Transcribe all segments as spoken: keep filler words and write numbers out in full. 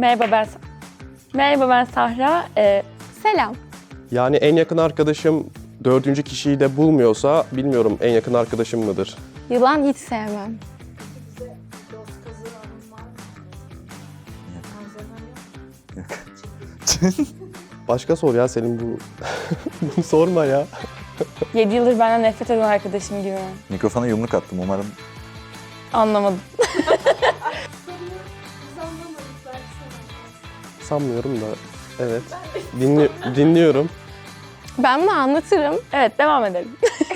Merhaba ben Merhaba ben Sahra. Ee, Selam. Yani en yakın arkadaşım dördüncü kişiyi de bulmuyorsa bilmiyorum en yakın arkadaşım mıdır? Yılan hiç sevmem. Başka sor ya senin bu. Bunu sorma ya. yedi yıldır benden nefret eden arkadaşım gibi. Mikrofona yumruk attım umarım. Anlamadım. Sanmıyorum da. Evet. Dinli dinliyorum. Ben bunu anlatırım. Evet, devam edelim.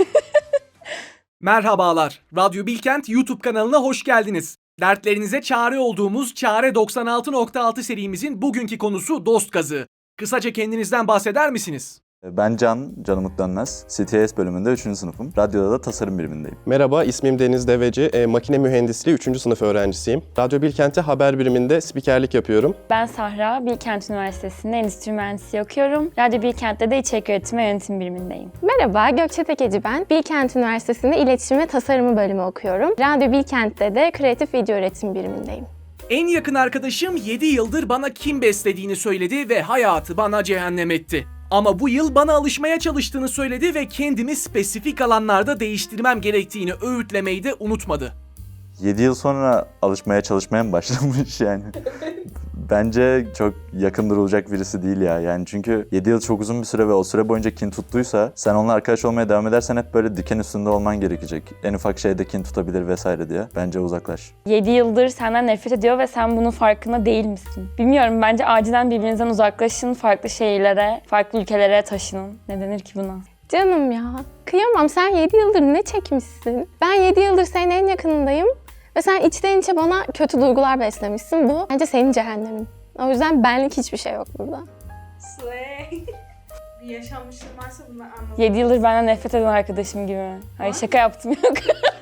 Merhabalar, Radyo Bilkent YouTube kanalına hoş geldiniz. Dertlerinize çare olduğumuz Çare doksan altı nokta altı serimizin bugünkü konusu dost gazı. Kısaca kendinizden bahseder misiniz? Ben Can, Can Umut Dönmez. C T S bölümünde üçüncü sınıfım. Radyoda da tasarım birimindeyim. Merhaba, ismim Deniz Deveci. E, makine mühendisliği üçüncü sınıf öğrencisiyim. Radyo Bilkent'te haber biriminde spikerlik yapıyorum. Ben Sahra, Bilkent Üniversitesi'nde endüstri mühendisliği okuyorum. Radyo Bilkent'te de içerik üretimi ve yönetim birimindeyim. Merhaba, Gökçe Tekeci ben. Bilkent Üniversitesi'nde iletişim ve tasarımı bölümü okuyorum. Radyo Bilkent'te de kreatif video üretim birimindeyim. En yakın arkadaşım yedi yıldır bana kim beslediğini söyledi ve hayatı bana cehennem etti. Ama bu yıl bana alışmaya çalıştığını söyledi ve kendimi spesifik alanlarda değiştirmem gerektiğini öğütlemeyi de unutmadı. yedi yıl sonra alışmaya çalışmaya mı başlamış yani? Bence çok yakın durulacak birisi değil ya. Yani çünkü yedi yıl çok uzun bir süre ve o süre boyunca kin tuttuysa sen onunla arkadaş olmaya devam edersen hep böyle diken üstünde olman gerekecek. En ufak şeyde kin tutabilir vesaire diye. Bence uzaklaş. yedi yıldır senden nefret ediyor ve sen bunun farkında değil misin? Bilmiyorum, bence acilen birbirinizden uzaklaşın, farklı şehirlere, farklı ülkelere taşının. Ne denir ki buna? Canım ya, kıyamam. Sen yedi yıldır ne çekmişsin? Ben yedi yıldır senin en yakınındayım ve sen içten içe bana kötü duygular beslemişsin. Bu bence senin cehennemin. O yüzden benlik hiçbir şey yok burada. Slay. Bir yaşanmışlığım varsa bunları anladım. yedi yıldır benden nefret eden arkadaşım gibi. Hayır, şaka yaptım, yok.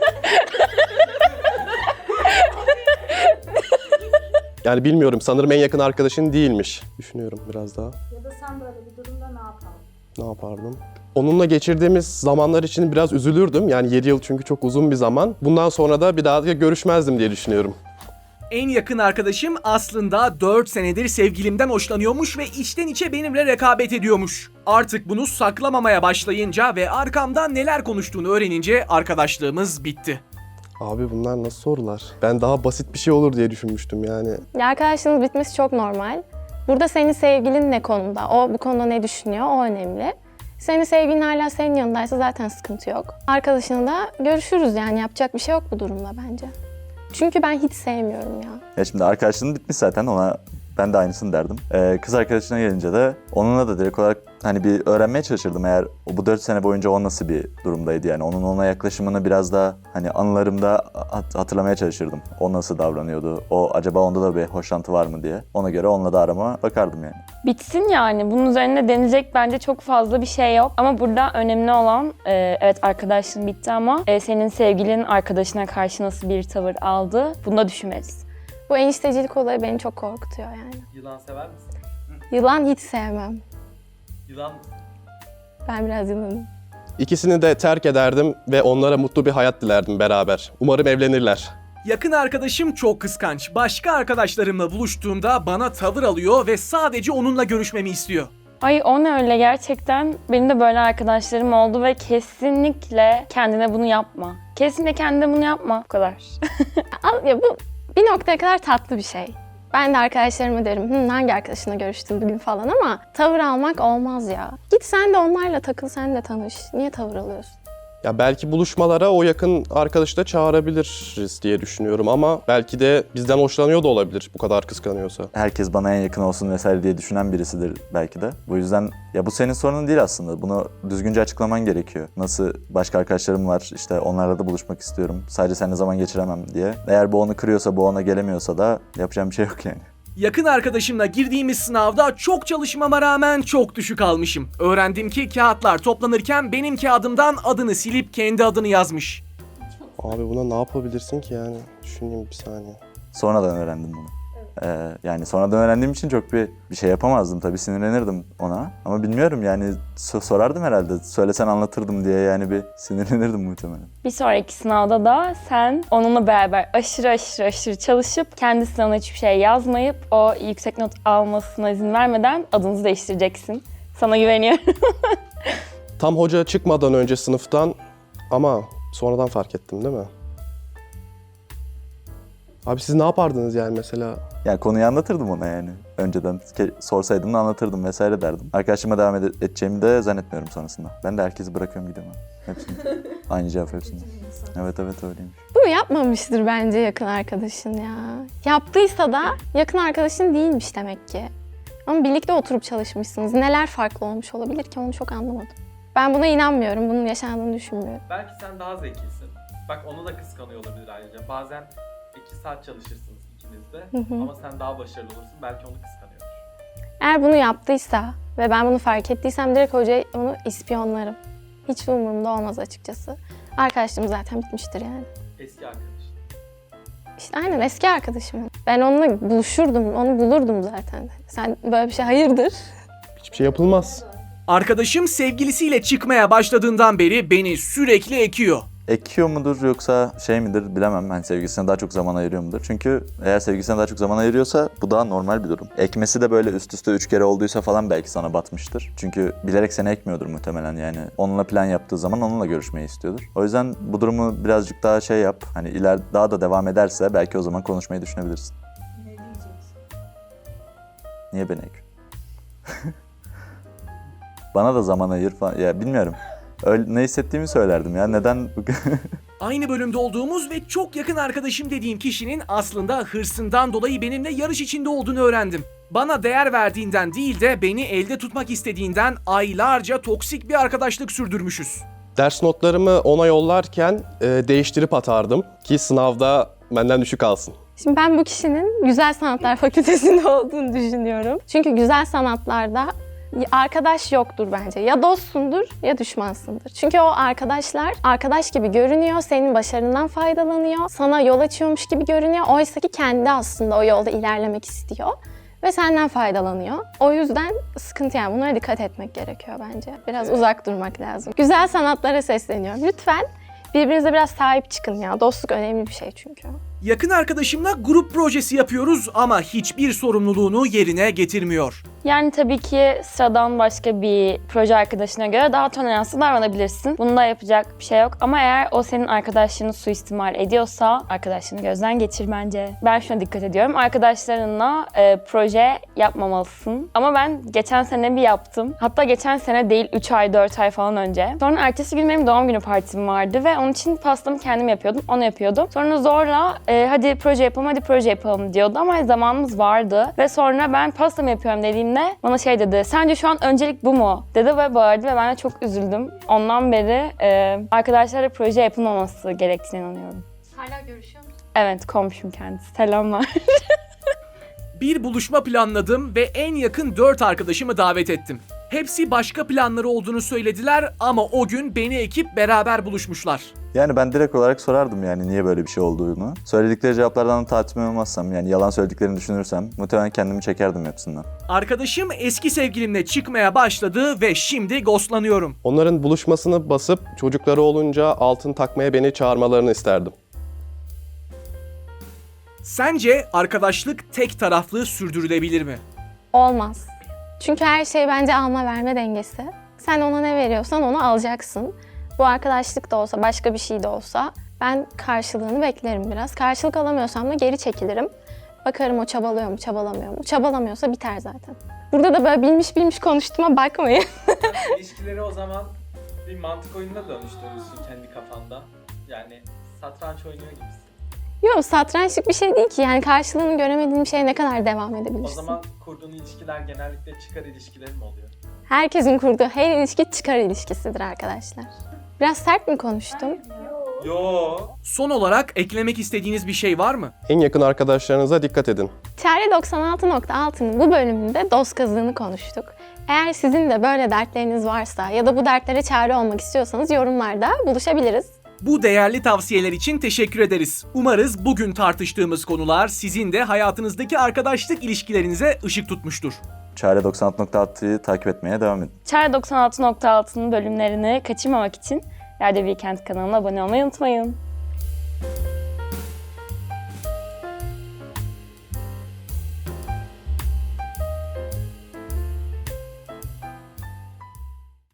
Yani bilmiyorum, sanırım en yakın arkadaşın değilmiş. Düşünüyorum biraz daha. Ya da sen böyle bir durumda ne yapardın? Ne yapardım? Onunla geçirdiğimiz zamanlar için biraz üzülürdüm. Yani yedi yıl çünkü çok uzun bir zaman. Bundan sonra da bir daha da görüşmezdim diye düşünüyorum. En yakın arkadaşım aslında dört senedir sevgilimden hoşlanıyormuş ve içten içe benimle rekabet ediyormuş. Artık bunu saklamamaya başlayınca ve arkamdan neler konuştuğunu öğrenince arkadaşlığımız bitti. Abi bunlar nasıl sorular? Ben daha basit bir şey olur diye düşünmüştüm yani. Ya arkadaşlığınız bitmesi çok normal. Burada senin sevgilin ne konuda? O bu konuda ne düşünüyor? O önemli. Senin sevgilin hala senin yanındaysa zaten sıkıntı yok. Arkadaşınla da görüşürüz yani. Yapacak bir şey yok bu durumda bence. Çünkü ben hiç sevmiyorum ya. Ya şimdi arkadaşlığın bitmiş zaten, ona ben de aynısını derdim. Ee, kız arkadaşına gelince de onunla da direkt olarak hani bir öğrenmeye çalışırdım eğer o bu dört sene boyunca o nasıl bir durumdaydı yani. Onun ona yaklaşımını biraz daha hani anılarımda hat- hatırlamaya çalışırdım. O nasıl davranıyordu, o acaba onda da bir hoşlantı var mı diye. Ona göre onunla da arama bakardım yani. Bitsin yani. Bunun üzerine denilecek bence çok fazla bir şey yok. Ama burada önemli olan, e, evet arkadaşlığın bitti ama e, senin sevgilin arkadaşına karşı nasıl bir tavır aldı? Bunu da düşünmelisin. Bu eniştecilik olayı beni çok korkutuyor yani. Yılan sever misin? Yılan hiç sevmem. Yılan Ben biraz yılanım. İkisini de terk ederdim ve onlara mutlu bir hayat dilerdim beraber. Umarım evlenirler. Yakın arkadaşım çok kıskanç. Başka arkadaşlarımla buluştuğumda bana tavır alıyor ve sadece onunla görüşmemi istiyor. Ay o ne öyle gerçekten. Benim de böyle arkadaşlarım oldu ve kesinlikle kendine bunu yapma. Kesinlikle kendine bunu yapma. Bu kadar. Al- Ya bu bir noktaya kadar tatlı bir şey. Ben de arkadaşlarıma derim, Hı, hangi arkadaşına görüştün bugün falan ama tavır almak olmaz ya. Git sen de onlarla takıl, sen de tanış. Niye tavır alıyorsun? Ya belki buluşmalara o yakın arkadaşı da çağırabiliriz diye düşünüyorum ama belki de bizden hoşlanıyor da olabilir bu kadar kıskanıyorsa. Herkes bana en yakın olsun vesaire diye düşünen birisidir belki de. Bu yüzden ya bu senin sorunun değil aslında. Bunu düzgünce açıklaman gerekiyor. Nasıl başka arkadaşlarım var, işte onlarla da buluşmak istiyorum. Sadece seninle zaman geçiremem diye. Eğer bu onu kırıyorsa, bu ona gelemiyorsa da yapacağım bir şey yok yani. Yakın arkadaşımla girdiğimiz sınavda çok çalışmama rağmen çok düşük almışım. Öğrendim ki kağıtlar toplanırken benim kağıdımdan adını silip kendi adını yazmış. Abi buna ne yapabilirsin ki yani? Düşüneyim bir saniye. Sonradan öğrendim bunu. Ee, yani sonradan öğrendiğim için çok bir bir şey yapamazdım tabii, sinirlenirdim ona. Ama bilmiyorum yani so- sorardım herhalde. Söylesen anlatırdım diye yani bir sinirlenirdim muhtemelen. Bir sonraki sınavda da sen onunla beraber aşırı aşırı aşırı çalışıp kendi sınavına hiçbir şey yazmayıp o yüksek not almasına izin vermeden adınızı değiştireceksin. Sana güveniyorum. Tam hoca çıkmadan önce sınıftan ama sonradan fark ettim değil mi? Abi siz ne yapardınız yani mesela? Yani konuyu anlatırdım ona yani. Önceden ke- sorsaydım da anlatırdım vesaire derdim. Arkadaşıma devam ede- edeceğimi de zannetmiyorum sonrasında. Ben de herkesi bırakıyorum gidiyorum. Hepsini. Aynı cevap hepsinde. Evet evet öyleymiş. Bunu yapmamıştır bence yakın arkadaşın ya. Yaptıysa da yakın arkadaşın değilmiş demek ki. Ama birlikte oturup çalışmışsınız. Neler farklı olmuş olabilir ki onu çok anlamadım. Ben buna inanmıyorum. Bunun yaşandığını düşünmüyorum. Belki sen daha zekisin. Bak onu da kıskanıyor olabilir ayrıca. Bazen iki saat çalışırsınız ikiniz de Hı hı. ama sen daha başarılı olursun. Belki onu kıskanıyordur. Eğer bunu yaptıysa ve ben bunu fark ettiysem direkt hocayı onu ispiyonlarım. Hiç umurumda olmaz açıkçası. Arkadaşlığım zaten bitmiştir yani. Eski arkadaş. İşte aynen eski arkadaşım. Ben onunla buluşurdum, onu bulurdum zaten. Sen böyle bir şey hayırdır? Hiçbir şey yapılmaz. Arkadaşım sevgilisiyle çıkmaya başladığından beri beni sürekli ekiyor. Ekiyor mudur yoksa şey midir bilemem. Hani sevgilisine daha çok zaman ayırıyor mudur? Çünkü eğer sevgilisine daha çok zaman ayırıyorsa bu daha normal bir durum. Ekmesi de böyle üst üste üç kere olduysa falan belki sana batmıştır. Çünkü bilerek seni ekmiyordur muhtemelen yani. Onunla plan yaptığı zaman onunla görüşmeyi istiyordur. O yüzden bu durumu birazcık daha şey yap. Hani iler daha da devam ederse belki o zaman konuşmayı düşünebilirsin. Ne diyeceksin? Niye beni ekiyorsun? Bana da zaman ayır falan. Ya bilmiyorum. Öyle, ne hissettiğimi söylerdim ya. Neden? Aynı bölümde olduğumuz ve çok yakın arkadaşım dediğim kişinin aslında hırsından dolayı benimle yarış içinde olduğunu öğrendim. Bana değer verdiğinden değil de beni elde tutmak istediğinden aylarca toksik bir arkadaşlık sürdürmüşüz. Ders notlarımı ona yollarken e, değiştirip atardım ki sınavda benden düşük alsın. Şimdi ben bu kişinin Güzel Sanatlar Fakültesi'nde olduğunu düşünüyorum. Çünkü güzel sanatlarda arkadaş yoktur bence. Ya dostsundur ya düşmansındır. Çünkü o arkadaşlar arkadaş gibi görünüyor, senin başarından faydalanıyor, sana yol açıyormuş gibi görünüyor. Oysa ki kendi aslında o yolda ilerlemek istiyor ve senden faydalanıyor. O yüzden sıkıntı yani bunlara dikkat etmek gerekiyor bence. Biraz uzak durmak lazım. Güzel sanatlara sesleniyorum. Lütfen birbirinize biraz sahip çıkın ya. Dostluk önemli bir şey çünkü. Yakın arkadaşımla grup projesi yapıyoruz ama hiçbir sorumluluğunu yerine getirmiyor. Yani tabii ki sıradan başka bir proje arkadaşına göre daha toleranslı davranabilirsin. Bunda yapacak bir şey yok. Ama eğer o senin arkadaşlığını suistimal ediyorsa arkadaşlığını gözden geçir bence. Ben şuna dikkat ediyorum. Arkadaşlarınla e, proje yapmamalısın. Ama ben geçen sene bir yaptım. Hatta geçen sene değil üç ay dört ay falan önce. Sonra ertesi gün benim doğum günü partim vardı ve onun için pastamı kendim yapıyordum. Onu yapıyordum. Sonra zorla e, hadi proje yapalım hadi proje yapalım diyordu ama zamanımız vardı. Ve sonra ben pastamı yapıyorum dediğimde bana şey dedi, sence şu an öncelik bu mu? Dedi ve bağırdı ve ben de çok üzüldüm. Ondan beri e, arkadaşlarla proje yapılmaması gerektiğine inanıyorum. Hala görüşüyor musun? Evet, komşum kendisi. Selamlar. Bir buluşma planladım ve en yakın dört arkadaşımı davet ettim. Hepsi başka planları olduğunu söylediler ama o gün beni ekip beraber buluşmuşlar. Yani ben direkt olarak sorardım yani niye böyle bir şey olduğunu. Söyledikleri cevaplardan tatmin olmazsam yani yalan söylediklerini düşünürsem muhtemelen kendimi çekerdim hepsinden. Arkadaşım eski sevgilimle çıkmaya başladı ve şimdi ghostlanıyorum. Onların buluşmasını basıp çocukları olunca altın takmaya beni çağırmalarını isterdim. Sence arkadaşlık tek taraflı sürdürülebilir mi? Olmaz. Çünkü her şey bence alma verme dengesi. Sen ona ne veriyorsan onu alacaksın. Bu arkadaşlık da olsa, başka bir şey de olsa ben karşılığını beklerim biraz. Karşılık alamıyorsam da geri çekilirim. Bakarım o çabalıyor mu, çabalamıyor mu? Çabalamıyorsa biter zaten. Burada da böyle bilmiş bilmiş konuştuğuma bakmayın. İlişkileri o zaman bir mantık oyununa dönüştürürsün kendi kafanda. Yani satranç oynuyor gibisin. Yok, satrançlık bir şey değil ki. Yani karşılığını göremediğin bir şeye ne kadar devam edebilirsin? O zaman kurduğun ilişkiler genellikle çıkar ilişkileri mi oluyor? Herkesin kurduğu her ilişki çıkar ilişkisidir arkadaşlar. Biraz sert mi konuştum? Yo. Son olarak eklemek istediğiniz bir şey var mı? En yakın arkadaşlarınıza dikkat edin. Çare doksan altı nokta altı'nın bu bölümünde dost kazığını konuştuk. Eğer sizin de böyle dertleriniz varsa ya da bu dertlere çare olmak istiyorsanız yorumlarda buluşabiliriz. Bu değerli tavsiyeler için teşekkür ederiz. Umarız bugün tartıştığımız konular sizin de hayatınızdaki arkadaşlık ilişkilerinize ışık tutmuştur. Çare doksan altı nokta altı'yı takip etmeye devam edin. Çare doksan altı nokta altı'nın bölümlerini kaçırmamak için Yerde Weekend kanalına abone olmayı unutmayın.